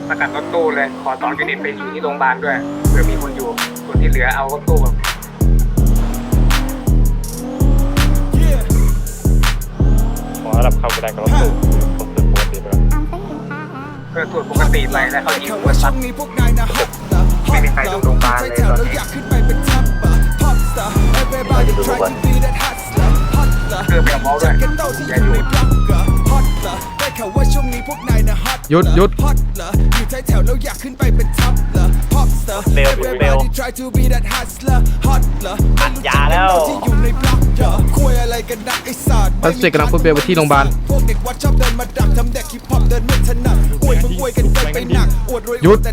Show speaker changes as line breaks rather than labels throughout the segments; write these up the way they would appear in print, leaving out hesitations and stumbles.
ประกันรถตู้เลยขอ2 ยูนิตไปอยู่ที่โรงพยาบาลด้วยเผื่อมีคนอยู่ส่วนที่เหลือเอารถตู้แบบ
ขอระดับเข้าไปได้กับรถตู้ผมตื่นปกติไปแล้ว
เพื่อตรวจปกติไปแล้วเขายิงหัวซัดไม่มีใครลงโรงพยาบาลเลยตอนนี้เพื่อไปกับหมอด้วยอย่าอยู่
หยุด
เร็วอัดยาแล้ว
พัสเซกกำลังพูดเบลไปที่โรงพยาบาลหยุด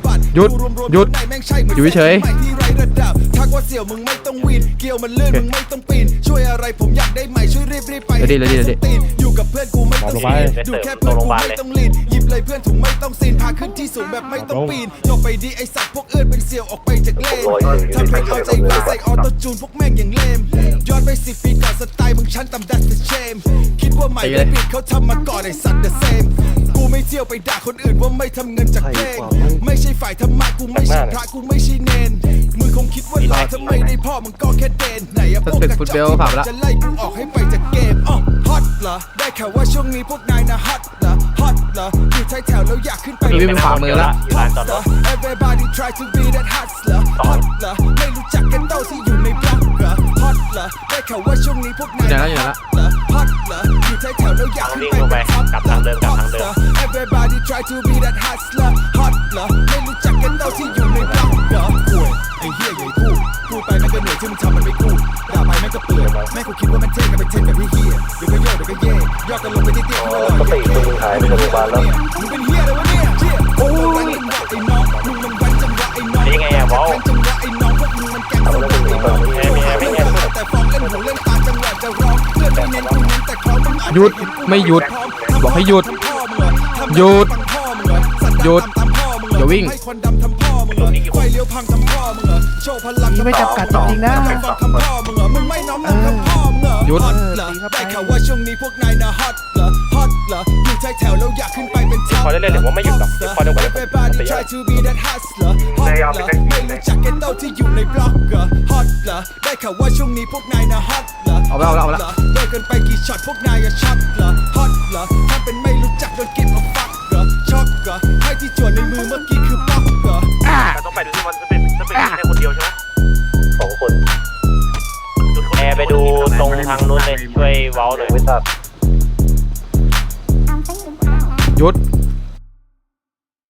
อยู่เฉย
ทักว่าเสี่ยวมึงไม่ต้องวีนเกี่ยวมันลื่นมึงไม่ต้องปีนช่วยอะไรผมอยากได้ใหม่ช่วยรีบไปอยู่กับเพื่อนกูไม่ต้องซีนดูแค่เพื่อนกูไม่ต้องลีนหยิบเลยเพื่อนถุงไม่ต้องซีนพาขึ้นที่สูงแบบไม่ต้องปีนยกไปดีไอสัตว์พวกอื่นเป็นเสี่ยวออกไปจากเลนทำเพลงเอาใจใครใส่ออโต้จูนพวกแม่งอย่างเลมย้อนไป10 ปีก่อนสไตล์มึงชั้นต่ำดัสเชมคิดว่าใหม่ได้ปิดเขาทำมาก่อนไอสัตว์เดอะเซมกูไม่เที่ยวไปด่าคนอื่นว่าไม่ทำเงินจากเพลงไม่ใช่ฝ่ายธรรมะกูไม่ใช่พระกูไม่ใช่เนนมึงคงคิดว่าหล่อทำไมได้พ่อมึงก็แค่เดนไหนอะพวกกระจอกจะไล่กูออกให้ไปจากเกมฮอตเหรอได้ข่าวว่าช่วงนี้พวกนายนะฮอตเหรอฮอตเหรออยู่ท้ายแถวแล้วอยากขึ้นไป
นี่เป็นขวามือละ
อยู่ร้านจอดรถ
Everybody try to be that hustler ฮอตเหรอไม่รู้จักกันเต้าที่อยู่ในบล็อกเหรอฮอตเหรอได้ข่าวว่าช่วงนี้พวกนายฮอตเหรอฮอตเหรออยู่ท้ายแถวแล้วอยากขึ้นไปเป็นท็อป Everybody try to be that hustler ฮอตเหรอไม่รู้จักกันเต้าที่อยู่ในบล็อกเหรอไอ้เหี้ยใหญ่พูดไปแม่งก็เหนื่อยที่มึงทำมันไม่กูด่าไปแม่งก็เปื่อยแม่งกูคิดว่ามันเท่กันไปเท่กับพี่เหี้ยเดี๋ยวก็โยกเดี๋ยวก็เย่ยอดกันลงไปที่เตี้ยเขาเลยมึงเป็นเหี้ยเลยวะเนี่ยโอ้ยไอ้น้องมึงมันวันจังหวะไอ้น้อง
นี่ไงอะวอล
จังหวะไอ้น้องพวกมึงมันแกงสมองไอ้น้องแต่ฟองเล่นหูเล่นตาจังหวะจะร้องเพื่อนไม่เน้นกูเน้นแต่เขามึง
หยุดไม่หยุดบอกให้หยุดหยุดอย่าวิ่ง
ไฟเลี้ยวพังทำพ่อมึงเหรอโชว์พลังไม่จำกัดจริงนะทำพ่อมึงเหรอมึงไม่น้อมนำทำพ่อมึงเหรอ
หยุด
ฮอตเหรอได้ข่าวว่าช่วงนี้พวกนายนะฮอตเหรอฮอตเหรออยู่ท้ายแถวแล้วอยากขึ้นไปเป็นท็อป
พอได้เล่นหรือว่าไม่หยุดหรอกพอได้หมด
Everybody try to be that hustler ฮอตเหรอไม่รู้จักแกเต้าที่อยู่ในบล็อกเหรอฮอตเหรอได้ข่าวว่าช่วงนี้พวกนายนะฮอตเหรอ
เอาละ
เลิกกันไปกี่ช็อตพวกนายอะช็อตเหรอฮอตเหรอถ้าเป็นไม่รู้จักโดนกินเอาฟักเหรอช็อกเหรอให้ที่จวนในมือเมื่อกี้คือป๊อกเหรอ
ต้องไปดูที่มันจะเป็นแค่คนเดียวใช่ไหม2 คนแอร์ไปดูตรงทางนู้นเลยช่วยเว้าหน่อยไม่ทราบ
หยุด